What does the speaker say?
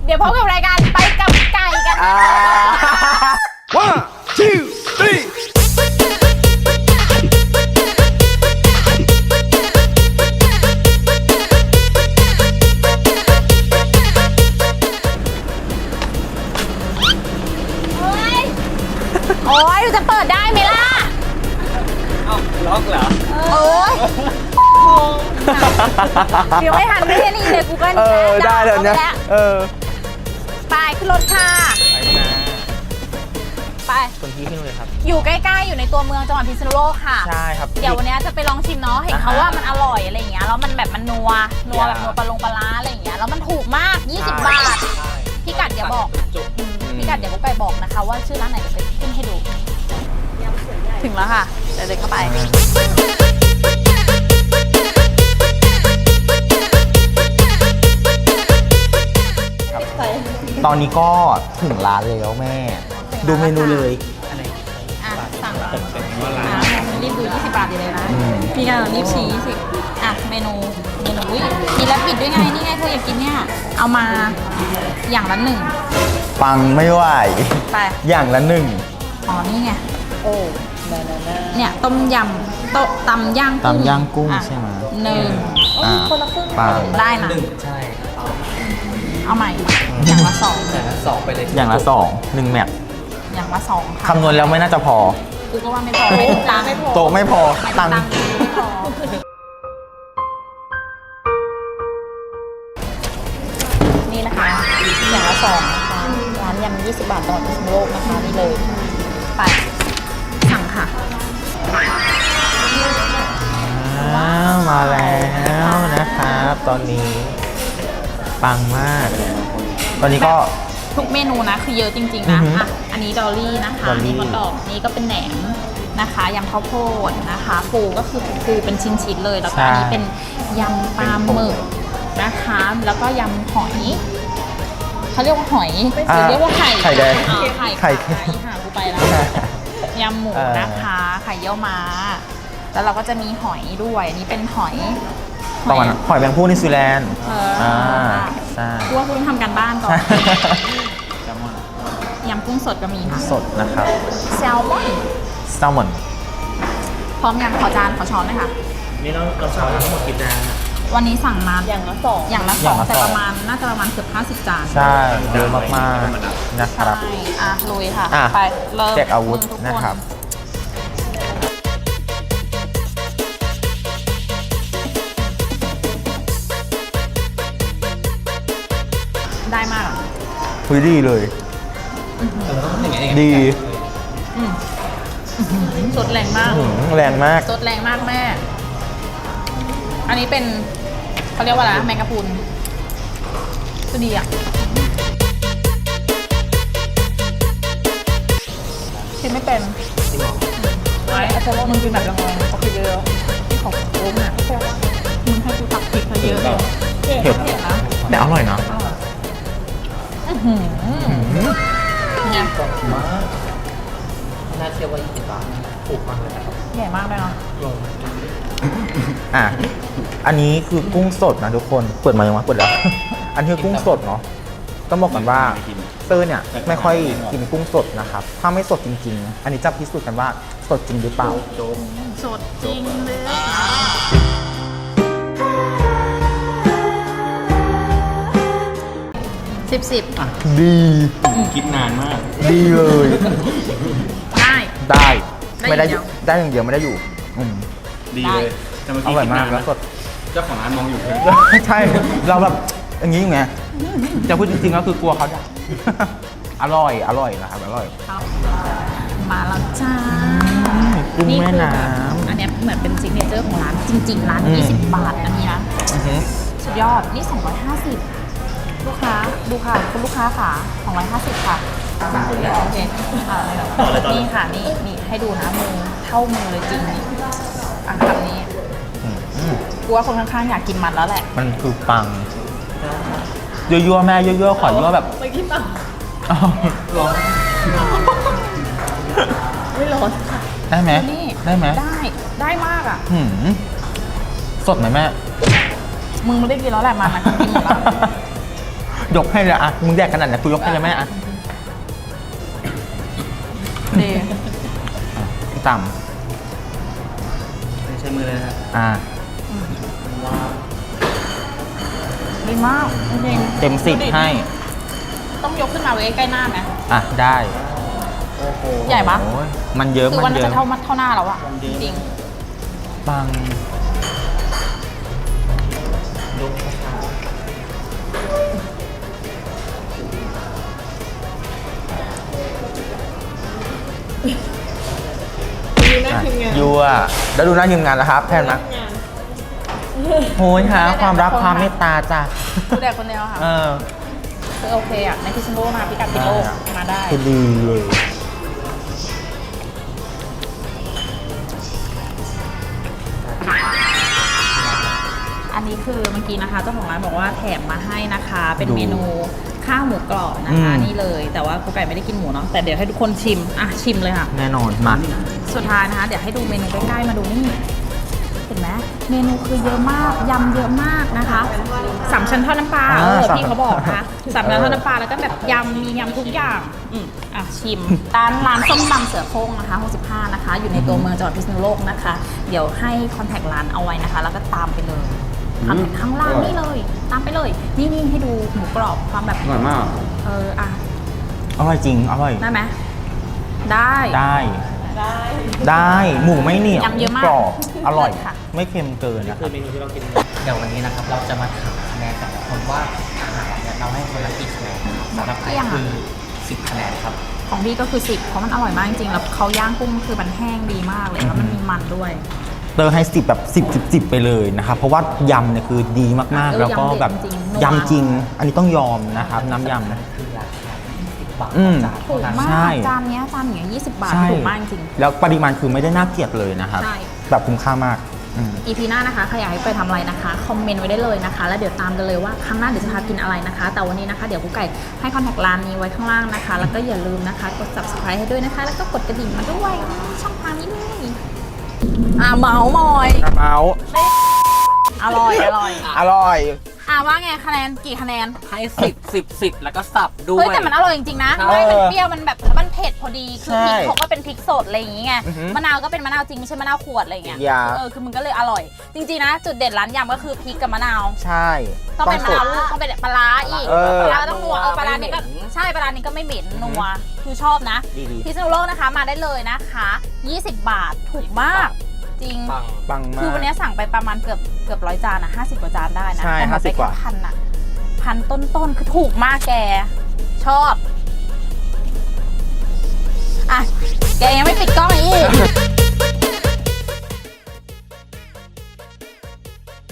ดี๋ยวพบกับรายการไปกับไก่กัน One, two, three. โอ้ยจะเปิดได้ไหมล่ะเอ้าล็อกเหรอโอ้ยเดี๋ยวไม่ทันไม่ได้นี่เลยกูเกิลได้เดี๋ยวนี้ไปขึ้นรถค่ะไปนะไปคนที่ขึ้นเลยครับอยู่ใกล้ๆอยู่ในตัวเมืองจังหวัดพิษณุโลกค่ะใช่ครับเดี๋ยววันนี้จะไปลองชิมเนาะเห็นเขาว่ามันอร่อยอะไรอย่างเงี้ยแล้วมันแบบมันนัวแบบนัวปลาร้าอะไรอย่างเงี้ยแล้วมันถูกมาก20 บาทพี่กัดอย่าบอกจุกพี่กัดเดี๋ยวกุ๊กไก่บอกนะคะว่าชื่อร้านไหนจะไปขึ้นให้ดูถึงแล้วค่ะเดี๋ยวเดินเข้าไปตอนนี้ก็ถึงร้านแล้วแม่ ดูเมนูเลยอะไรสั่งเป็นว่าร้านรีบดู20 บาทอยู่เลยนะพี่กัดรีบชี้20เมนูอุ๊ยมีแรปปิดด้วยไงนี่ไงเธออยากกินเนี่ยเอามาอย่างละ1 ปังไม่ไหวไปอย่างละหนึ่งอ๋อนี่ไงโอ้เนี่ยต้มยำตำย่างตำย่างกุ้งใช่ไหม 1คนละครึ่งปังได้นะใช่เอาใหม่อย่างละ2 แต่ละสองไปเลยอย่างละสองหนึ่งแมทอย่างละ2ค่ะคำนวณแล้วไม่น่าจะพอกูก็ว่าไม่พอไม่ถึงตังค์ไม่พอโต๊ะไม่พอตังค์ไม่พอนี่นะคะอย่างละ2นะคะร้านยำ20 บาทตลอดพิษณุโลกนะคะนี่เลยไปสั่งค่ะมาแล้วนะครับ ตอนนี้ปังมาก ตอนนี้ก็ทุกเมนูนะคือเยอะจริงๆนะอือฮึอันนี้ดอลลี่นะคะดอลลี่นี่มะกอกนี่ก็เป็นแหนมนะคะยำข้าวโพดนะคะปูก็คือปูเป็นชิ้นๆเลยแล้วก็อันนี้เป็นยำปลาหมึกนะคะแล้วก็ยำหอยเขาเรียกว่าหอยหรือเรียกว่าไข่ไข่แดงอ๋อไข่ไข่ค่ะกูไปแล้วยำหมูนะคะไข่เยี่ยวม้าแล้วเราก็จะมีหอยด้วยอันนี้เป็นหอยประมาณหอยแมงผู้นิวซีแลนด์ ใช่กูว่ากูต้องทำการบ้านก่อนแซลมอนยำกุ้งสดก็มีค่ะสดนะครับแซลมอนแซลมอนพร้อมยังขอจานขอช้อนเลยค่ะนี่เราสั่งทั้งหมดกี่จานอะวันนี้สั่งมาอย่างละอย่างละ 2แต่สองประมาณน่าจะประมาณเกือบ50 จานใช่เยอะมากๆนะครับใช่ลุยค่ะอ่ะไปเริ่มแจกอาวุธทุกนะครับได้มากอ่ะคุยดีเลยเราต้องอย่างไงดีสดแรงมากแรงมากสดแรงมากแม่ อันนี้เป็นเขาเรียกว่าอะไรนะแมงกะพรุนก็ดีอ่ะกินไม่เป็นไอ้อาจารย์มึงกินแบบละงอยเขาคือเยอะที่ของโอ้มอ่ะมึงให้กูตักพริกมาเยอะเลยเผ็ดเผ็ดนะแต่อร่อยนะเนี่ยน่าเชื่อว่า20 บาทถูกมากเลยนะครับใหญ่มากเลยเนาะลงอ่ะ อันนี้คือกุ้งสดนะทุกคน เปิดมายังวะเปิดแล้ว อันนี้คือกุ้งสดเนาะ ต้องบอกกันว่าเตอร์เนี่ยไม่ค่อยกินกุ้งสดนะครับ ถ้าไม่สดจริงๆ อันนี้จะพิสูจน์กันว่าสดจริงหรือเปล่าสดจริงเลย10 ดีคิดนานมากดีเลยได้ได้ ไม่ได้ได้อย่างเดียวได้อย่างเดียวไม่ได้อยู่ดีเลยแต่เมื่ออกี้ร่อยคิดาก นมานแล้วนะสดเจ้าของร้านมองอยู่เลยใช่ เราแบบอย่างนี้อยู่ไงจะพูดจริงๆก็คือกลัวเขาด่า อร่อยนะครับ อร่อยครับมาแล้วจ้ากุ้งแม่น้อันเนี้ยเหมือนเป็นซิกเนเจอร์ของร้านจริงๆร้านอืม 20 บาทอันนี้นะำอือฮึสุดยอด นี่ 250 ลูกค้า ดูค่ะ คุณลูกค้าค่ะ250 ค่ะโอเคนี่ค่ะ นี่ให้ดูนะมือเท่ามือเลยจริงนี่อ่ะคำนี้อืมกูว่าคนข้างๆอยากกินมันแล้วแหละมันคือปังยั่วๆแม่ยั่วๆขอยั่วแบบไปกินปังอ้าวร้อนไม่ร้อนได้ไหมนี่ได้ไหมได้มากอ่ะหืมสดไหมแม่มึงไม่ได้กินแล้วแหละมันนะกินหมดแล้วยกให้เลยอะมึงแดกขนาดไหนกูยกให้เลยแม่อะดีต่ไม่ใช้มือเลยนะำอ่ะดีมากจริงเต็ม 10ให้ๆต้องยกขึ้นมาไว้ใกล้หน้าไหมอ่ะได้ใหญ่ปะโอ้ยมันเยอะคือมัวันนเยจะอะเท่าหน้าแล้วอะจริงปังดูหน้าทีมงานยั่วแล้วดูหน้าทีมงานแล้วครับแพนนะโอ้ยหาความรักความเมตตาจ้ะๆดูแดกคนเดียวค่ะเออคือโอเคอะในพิษณุโลกมาพิกัดพิษณุโลกมาได้คือดีเลยอันนี้คือเมื่อกี้นะคะเจ้าของร้านบอกว่าแถมมาให้นะคะ เป็นเมนูข้าวหมูกรอบนะคะนี่เลย แต่ว่ากูไก่ไม่ได้กินหมูเนาะแต่เดี๋ยวให้ทุกคนชิมอ่ะชิมเลยค่ะแน่นอนมาสุดท้ายนะคะ เดี๋ยวให้ดูเมนูใกล้ๆมาดูนี่เห็นไหมเมนูคือเยอะมากยำเยอะมากนะคะสามชั้นทอดน้ำปลาพี่เขาบอกนะคะสามชั้นทอดน้ำปลาแล้วก็แบบยำมียำทุกอย่างอ่ะชิมร้านส้มตำเสือโคร่งนะคะ65นะคะอยู่ในตัวเมืองจังหวัดพิษณุโลกนะคะ เดี๋ยวให้คอนแทคร้านเอาไว้นะคะ แล้วก็ตามไปเลยข้างล่างนี่เลยตามไปเลยนี่ให้ดูหมูกรอบความแบบอร่อยมากอ่ะอร่อยจริงอร่อยได้ไหมได้ได้หมูไม่เหนียวยำเยอะมากกรอบอร่อยค่ะไม่เค็มเกินนะคคืรัอบ เมนูที่เรากินเดี๋ยววันนี้นะครับเราจะมาถามคะแนนแต่ละคนว่าอาหารเนี่ยเราให้คนละกี่คะแนนนะครับสำหรับไก่คือ10 คะแนนครับของพี่ก็คือ10เพราะมันอร่อยมากจริงๆแล้วเขาย่างกุ้งคือมันแห้งดีมากเลยแล้วมันมีมันด้วยเตอร์ให้10แบบ10 ไปเลยนะครับเพราะว่ายำเนี่ยคือดีมากๆ แล้วก็แบบยำเด็ดจริงๆยำจริง อันนี้ต้องยอมนะครับน้ำยำนะคือราคา20 บาทอืมต่อจานถูกเท่านั้นมาใช่กจานเนี้ย20 บาทใช่ถูกมากจริงแล้วปริมาณคือไม่ได้น่าเกลียดเลยนะครับใช่แบบคุ้มค่ามากอืม EP หน้านะคะใครอยากให้ไปทำอะไรนะคะคอมเมนต์ไว้ได้เลยนะคะ แล้วเดี๋ยวตามกันเลยว่าครั้งหน้าเดี๋ยวจะพากินอะไรนะคะ แต่วันนี้นะคะเดี๋ยวกุ๊กไก่ให้คอนแทคร้านนี้ไว้ข้างล่างนะคะ แล้วก็อย่าลืมนะคะกด subscribe ให้ด้วยนะคะ แล้วก็กดกระดิ่งมาด้วยช่องทางนี้เลยเมาส์มอยเมาส์อร่อยอร่อยว่าไงคะแนนกี่คะแนนให้10 แล้วก็สับด้วเฮ้ยยแต่มันอร่อยจริงๆนะใช่ไม่มันเปรี้ยวมันแบบมันเผ็ดพอดีคือพริกใช่เขาก็เป็นพริกสดอะไรอย่างงี้ไงอือหือมะนาวก็เป็นมะนาวจริงไม่ใช่มะนาวขวดอะไรอย่างเงี้ยอย่าคือมันก็เลยอร่อย จริงๆนะจุดเด่นร้านยำก็คือพริกกับมะนาวใช่ต้องเป็นมะนาวลูกต้องเป็นปลาร้าอีกเออปลาร้าต้องนัวปลาร้านี่ก็ใช่ปลาร้านี่ก็ไม่เหม็นนัวคือชอบนะดีพิษณุโลกนะคะมาได้เลยนะคะ20 บาทถูกมากจริงปังปังมาคือวันกนี้สั่งไปประมาณเกือบ100 จานอะ50 กว่าจานได้นะใช่แต่หมดไป 50กว่าแค่พันอะพันต้นๆคือถูกมากแก ชอบ อ่ะ แกยังไม่ปิดกล้องอีก